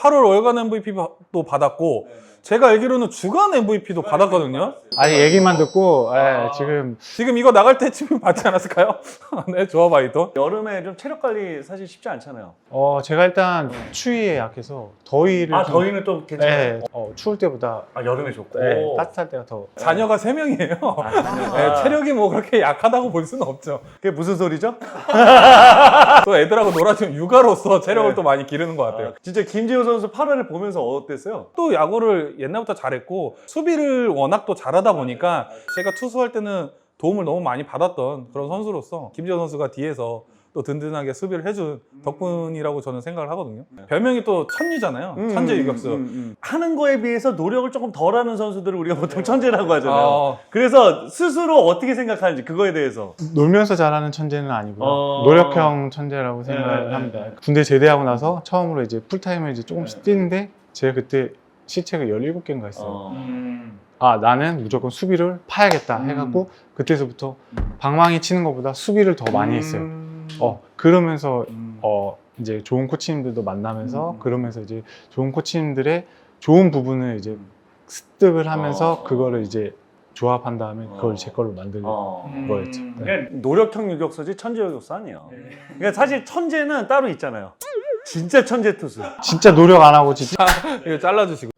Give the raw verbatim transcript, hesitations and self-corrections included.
팔월 월간 엠브이피도 받았고 제가 알기로는 주간 엠브이피도 받았거든요. 아니 얘기만 듣고 예, 지금 지금 이거 나갈 때쯤 받지 않았을까요? 네, 조아바이도. 여름에 좀 체력 관리 사실 쉽지 않잖아요. 어 제가 일단 추위에 약해서 더위를 아 좀- 더위는 또 괜찮아요. 예, 어, 추울 때보다 아 여름에 좋고. 예, 따뜻할 때가 더 자녀가 세 명이에요. 네, 체력이 뭐 그렇게 약하다고 볼 수는 없죠. 그게 무슨 소리죠? 또 애들하고 놀아주면 육아로서 체력을 네. 또 많이 기르는 것 같아요. 아, 진짜 김재호 선수 팔월을 보면서 어땠어요? 또 야구를 옛날부터 잘했고 수비를 워낙 또 잘하다 보니까 제가 투수할 때는 도움을 너무 많이 받았던 그런 선수로서 김지현 선수가 뒤에서 또 든든하게 수비를 해준 덕분이라고 저는 생각을 하거든요. 별명이 또 천유잖아요. 천재 유격수. 음, 음, 음. 하는 거에 비해서 노력을 조금 덜하는 선수들을 우리가 보통 천재라고 하잖아요. 어. 그래서 스스로 어떻게 생각하는지 그거에 대해서. 놀면서 잘하는 천재는 아니고요. 어. 노력형 천재라고 생각을 네. 합니다. 군대 제대하고 나서 처음으로 이제 풀타임을 이제 조금씩 뛰는데 제가 그때 시체가 열일곱 개인가 했어요. 어. 음. 아 나는 무조건 수비를 파야겠다 음. 해갖고 그때서부터 방망이 치는 것보다 수비를 더 많이 했어요. 음. 어 그러면서 음. 어 이제 좋은 코치님들도 만나면서 음. 그러면서 이제 좋은 코치님들의 좋은 부분을 이제 습득을 하면서 어. 그거를 이제 조합한 다음에 그걸 어. 제 걸로 만들는 어. 거였죠. 네. 그러니까 노력형 유격수지 천재 유격수 아니에요. 그러니까 사실 천재는 따로 있잖아요. 진짜 천재 투수. 진짜 노력 안 하고 진짜 이거 잘라주시고.